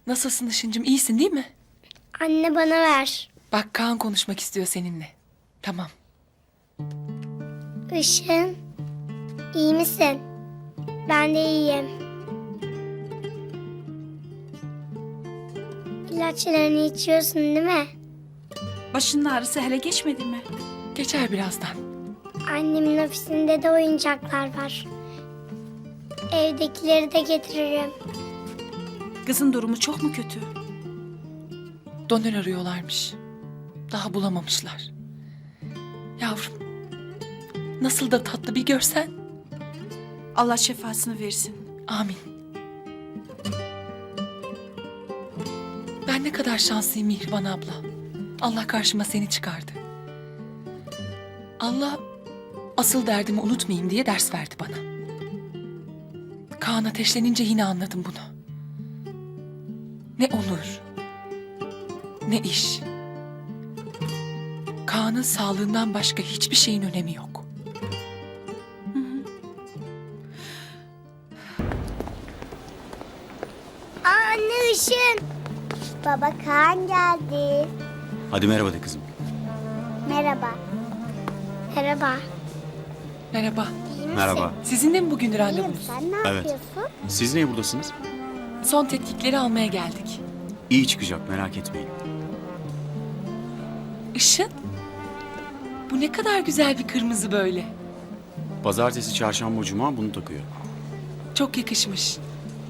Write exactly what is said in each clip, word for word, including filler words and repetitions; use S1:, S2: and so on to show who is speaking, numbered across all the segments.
S1: Nasılsın Işıncığım, iyisin değil mi?
S2: Anne bana ver.
S1: Bak Kaan konuşmak istiyor seninle. Tamam.
S2: Işın, iyi misin? Ben de iyiyim. İlaçlarını içiyorsun değil mi?
S3: Başının ağrısı hele geçmedi mi?
S1: Geçer birazdan.
S2: Annemin ofisinde de oyuncaklar var. Evdekileri de getiririm.
S3: Kızın durumu çok mu kötü?
S1: Donör arıyorlarmış. Daha bulamamışlar. Yavrum. Nasıl da tatlı bir görsen.
S3: Allah şifasını versin.
S1: Amin. Ben ne kadar şanslıyım Mihriban abla. Allah karşıma seni çıkardı. Allah asıl derdimi unutmayayım diye ders verdi bana. Kaan ateşlenince yine anladım bunu. Ne onur, ne iş. Kaan'ın sağlığından başka hiçbir şeyin önemi yok.
S2: Aa, anne Işın. Baba Kaan geldi.
S4: Hadi merhaba de kızım.
S2: Merhaba. Merhaba.
S1: Merhaba.
S2: İyi misin?
S4: Merhaba.
S1: Sizin de mi bugün
S2: İyiyim.
S1: randevunuz?
S2: Sen ne
S4: Evet.
S2: yapıyorsun?
S4: Siz niye buradasınız?
S1: Son tetkikleri almaya geldik.
S4: İyi çıkacak, merak etmeyin.
S1: Işın. Bu ne kadar güzel bir kırmızı böyle.
S4: Pazartesi, çarşamba, cuma bunu takıyor.
S1: Çok yakışmış.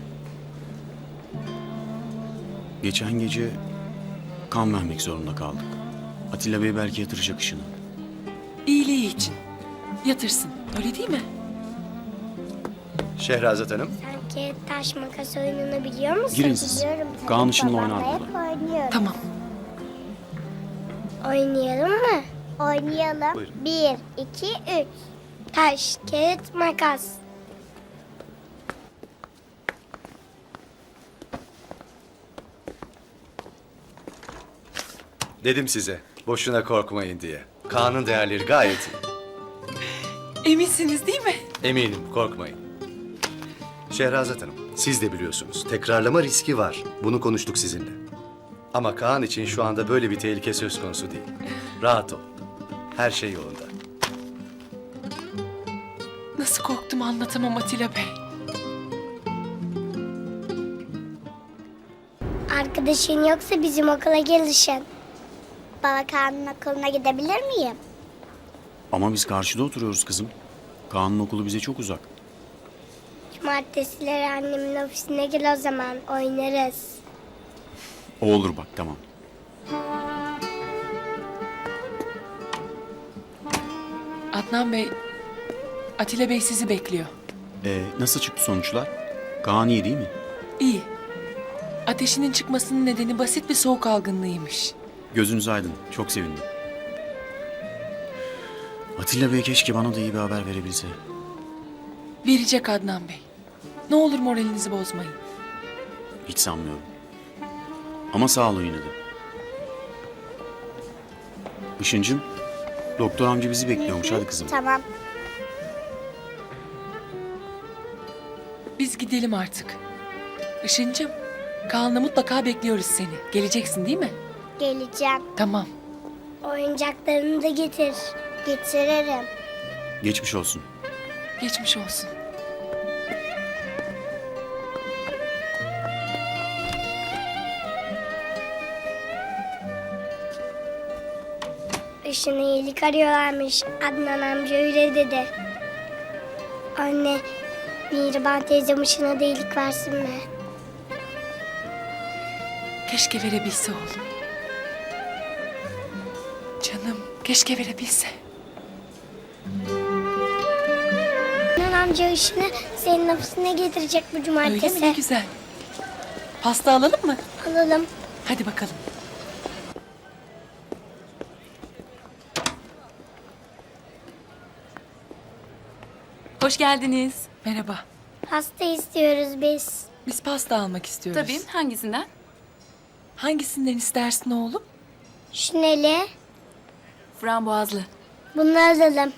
S4: Geçen gece kan vermek zorunda kaldık. Atilla Bey belki yatıracak Işın'ı.
S1: İyiliği için. Yatırsın. Öyle değil mi?
S5: Şehrazat Hanım.
S2: Sen kağıt taş makas oyununu biliyor musun?
S4: Girin siz.
S2: Biliyorum. tabii.
S4: Kaan Işın'la
S2: Babamla
S4: oynar
S2: hep
S4: burada.
S2: oynuyorum.
S1: Tamam.
S2: Oynayalım mı? Oynayalım.
S5: Buyurun.
S2: Bir, iki, üç. Taş, kağıt, makas.
S5: Dedim size boşuna korkmayın diye. Kaan'ın değerleri gayet iyi.
S1: Eminsiniz değil mi?
S5: Eminim, korkmayın. Şehrazat Hanım, siz de biliyorsunuz. Tekrarlama riski var. Bunu konuştuk sizinle. Ama Kaan için şu anda böyle bir tehlike söz konusu değil. Rahat ol. Her şey yolunda.
S1: Nasıl korktum anlatamam Atilla Bey.
S2: Arkadaşın yoksa bizim okula gelişin. Baba Kaan'ın okuluna gidebilir miyim?
S4: Ama biz karşıda oturuyoruz kızım. Kaan'ın okulu bize çok uzak.
S2: Cumartesileri annemin ofisine gel o zaman. Oynarız.
S4: O olur bak, tamam.
S1: Adnan Bey, Atilla Bey sizi bekliyor.
S4: Ee, nasıl çıktı sonuçlar? Kaan iyi değil mi?
S1: İyi. Ateşinin çıkmasının nedeni basit bir soğuk algınlığıymış.
S4: Gözünüz aydın, çok sevindim. Atilla Bey keşke bana da iyi bir haber verebilse.
S1: Verecek Adnan Bey. Ne olur moralinizi bozmayın.
S4: Hiç sanmıyorum. Ama sağ olun yine de. Işıncığım, doktor amca bizi bekliyormuş. Hadi kızım.
S2: Tamam.
S1: Biz gidelim artık. Işıncığım, Kaan'la mutlaka bekliyoruz seni. Geleceksin değil mi?
S2: Geleceğim.
S1: Tamam.
S2: Oyuncaklarını da getir. Getiririm.
S4: Geçmiş olsun.
S1: Geçmiş olsun.
S2: Işın'ı iyilik arıyorlarmış. Adnan amca öyle dedi. Anne, Mihriban teyzem Işın'a da iyilik versin mi?
S1: Keşke verebilse oğlum. Canım, keşke verebilse.
S2: Adnan amca Işın'ı senin ofisine getirecek bu
S1: Öyle
S2: cumartesi.
S1: mi? Ne güzel. Pasta alalım mı?
S2: Alalım.
S1: Hadi bakalım.
S6: Hoş geldiniz.
S1: Merhaba.
S2: Pasta istiyoruz biz.
S1: Biz pasta almak istiyoruz.
S6: Tabii, hangisinden?
S1: Hangisinden istersin oğlum?
S2: Şuneli.
S6: Frambuazlı.
S2: Bunu alalım.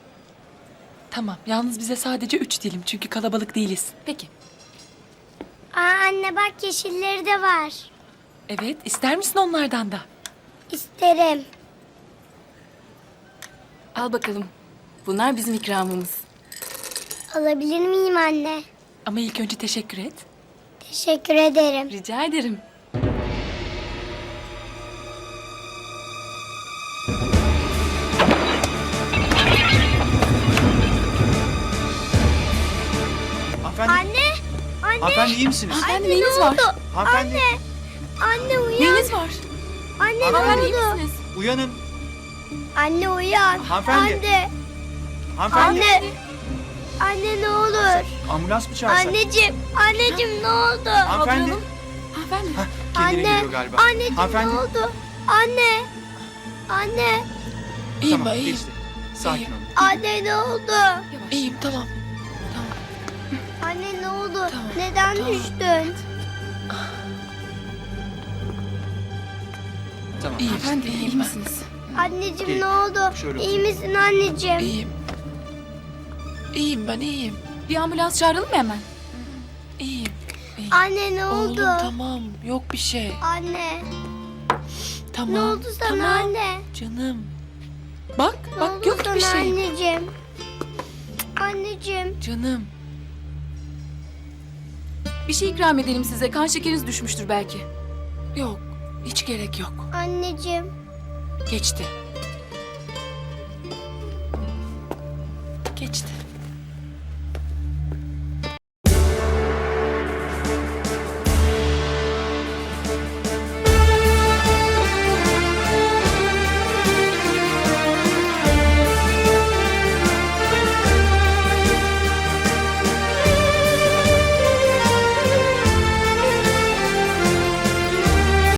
S1: Tamam. Yalnız bize sadece üç dilim çünkü kalabalık değiliz.
S6: Peki.
S2: Aa, anne bak yeşilleri de var.
S1: Evet, ister misin onlardan da?
S2: İsterim.
S6: Al bakalım. Bunlar bizim ikramımız.
S2: Alabilir miyim anne?
S1: Ama ilk önce teşekkür et.
S2: Teşekkür ederim.
S6: Rica ederim.
S7: Hanımefendi,
S2: Anne! Anne!
S7: hanımefendi iyi misiniz?
S6: Hanımefendi
S2: Anne,
S6: neyiniz
S2: ne
S6: var?
S2: oldu?
S7: Hanımefendi,
S2: Anne! Anne uyan!
S6: Neyiniz var?
S2: Anne ne
S6: Hanımefendi iyi
S2: oldu?
S6: misiniz?
S7: uyanın.
S2: Anne uyan!
S7: Hanımefendi.
S2: Anne!
S7: Hanımefendi,
S2: Anne! Anne ne olur?
S7: ambulans mı çağırsak?
S2: Anneciğim! Anneciğim ne oldu?
S7: Hanımefendi,
S6: Kaldıralım. Hanımefendi.
S7: kendine
S2: Anne!
S7: geliyor galiba.
S2: Anneciğim
S7: Hanımefendi.
S2: ne oldu? Anne! Anne!
S1: İyiyim
S7: Tamam,
S1: ben, iyiyim.
S7: geçti. Sakin
S1: İyiyim.
S7: olun.
S2: Anne ne oldu?
S6: Yavaş.
S1: İyiyim, tamam.
S2: Anne ne oldu?
S1: Tamam,
S2: Neden
S1: tamam.
S2: düştün?
S7: Tamam.
S1: İyiyim,
S6: Hanımefendi iyi
S1: iyiyim ben.
S6: misiniz?
S2: Anneciğim
S7: Gelin.
S2: ne oldu?
S7: Şöyle
S2: İyi
S7: oturun.
S2: misin anneciğim?
S1: İyiyim. İyiyim ben, iyiyim.
S6: Bir ambulans çağıralım mı hemen?
S1: İyiyim. iyiyim.
S2: Anne ne
S1: Oğlum
S2: oldu?
S1: tamam, yok bir şey.
S2: Anne
S1: Tamam.
S2: ne oldu sana
S1: tamam.
S2: anne?
S1: Canım. Bak,
S2: Ne
S1: bak
S2: oldu
S1: yok
S2: sana
S1: bir şey.
S2: anneciğim? Anneciğim.
S1: Canım.
S6: Bir şey ikram edelim size. Kan şekeriniz düşmüştür belki.
S1: Yok, hiç gerek yok.
S2: Anneciğim.
S1: Geçti. Geçti.